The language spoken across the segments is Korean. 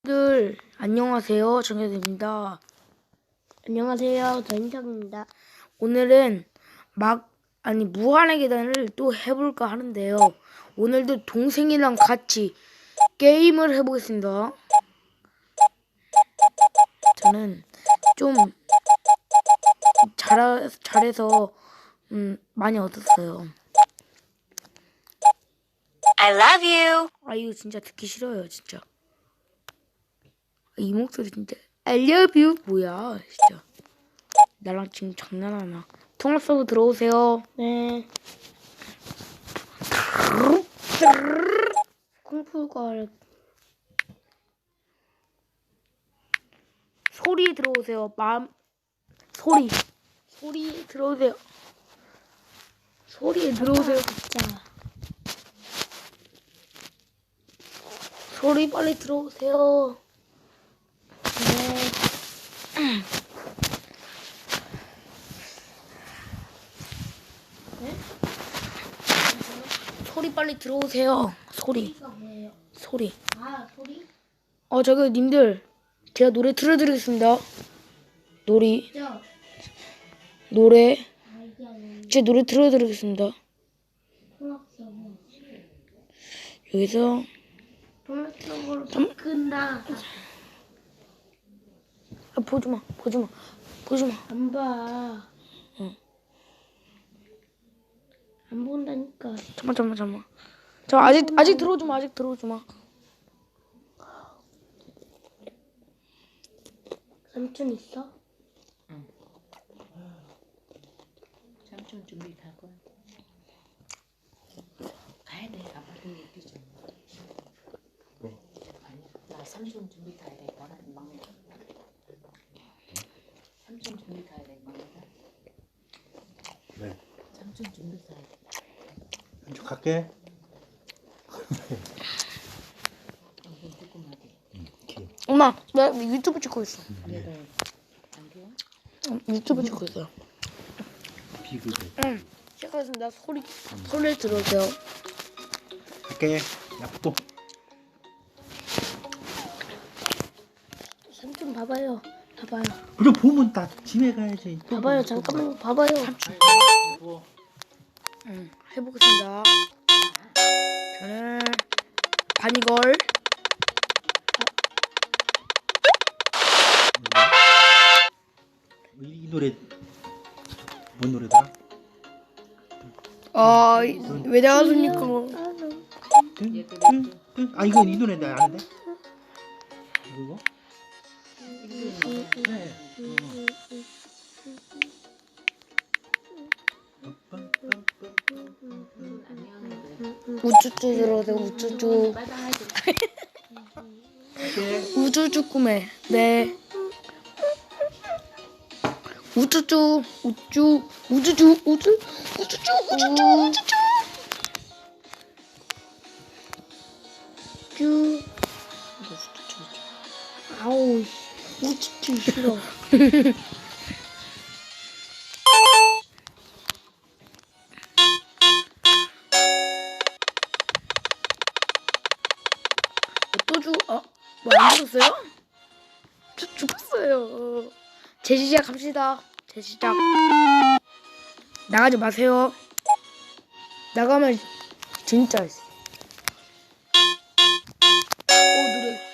친구들 안녕하세요. 정혜입니다. 안녕하세요. 전인석입니다. 오늘은 무한의 계단을 또 해볼까 하는데요. 오늘도 동생이랑 같이 게임을 해보겠습니다. 저는 좀 잘해서 많이 얻었어요. I love you. 아, 이거 진짜 듣기 싫어요, 진짜. 이 목소리 진짜 I love you 뭐야 진짜. 나랑 지금 장난하나. 통화 서버 들어오세요. 네. 쿵푸가 소리 들어오세요. 소리 들어오세요. 소리에 들어오세요. 진짜. 소리 빨리 들어오세요. 소리 빨리 들어오세요. 소리. 소리가 뭐예요? 소리. 아, 소리? 저기 님들 제가 노래 틀어드리겠습니다. 노래. 진짜. 노래. 아, 이게 아니에요. 제 노래 틀어드리겠습니다. 통합서버. 여기서 통합서버로 바꾼다. 보지마. 안 봐. 응. 안 본다니까. 잠만. 자, 아직 들어오지마. 삼촌 있어? 삼촌 준비 갈 거야. 가야 돼. 아빠도 얘기 좀. 왜? 아니, 나 삼촌 준비 가야 돼. 나는 막내. 삼촌 준비 가야 돼. 막내가. 네. 삼촌 준비 가야 돼. 한쪽 갈게. 이건 조그맣게. 엄마, 나 유튜브 찍고 있어. 내가 안 돼요? 유튜브 찍고 있어요. 비교돼. 응. 시작하겠습니다. 소리 들어오세요. 갈게. 납도. 삼촌 봐봐요. 그럼 보면 다 집에 가야지. 또 봐봐요. 뭐, 잠깐만 봐봐요. 뭐. 응, 해보겠습니다. 저는 바니걸. 이 노래 뭔 노래더라? 왜 나왔습니까? 아 이거 이 노래 나 아는데? 이거? 네. 우쭈쭈 들어오세요. 우쭈쭈. 갈게. 우쭈쭈 꿈에. 네. 우쭈쭈. 쭈. 아우, 우쭈쭈 싫어. 안 죽었어요? 저 죽었어요. 재시작합시다. 재시작. 나가지 마세요. 나가면 진짜 노래.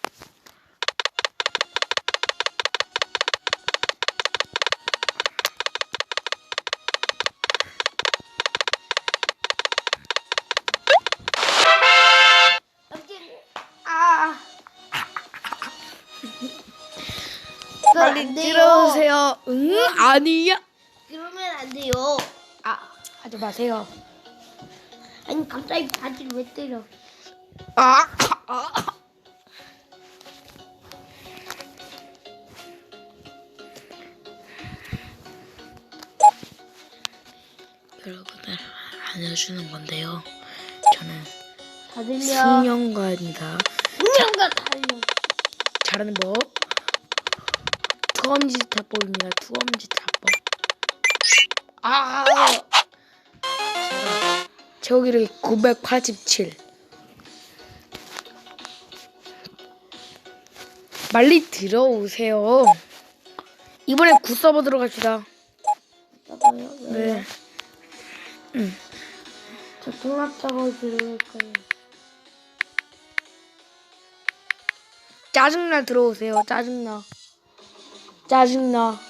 빨리 들어오세요. 응? 아니야. 그러면 안 돼요. 하지 마세요. 아니 갑자기 바지를 왜 때려? 아. 여러분들 알려주는 건데요. 저는 다 들려. 숙련가입니다. 숙련가 달려. 잘하는 법. 투엄지타법입니다. 투엄지타법. 제어기력이 987. 빨리 들어오세요. 이번엔 굿서버 들어갑시다. 작업이요? 네. 저 통합 작업 들어갈 거예요. 짜증나 들어오세요. 짜증나. 짜증나.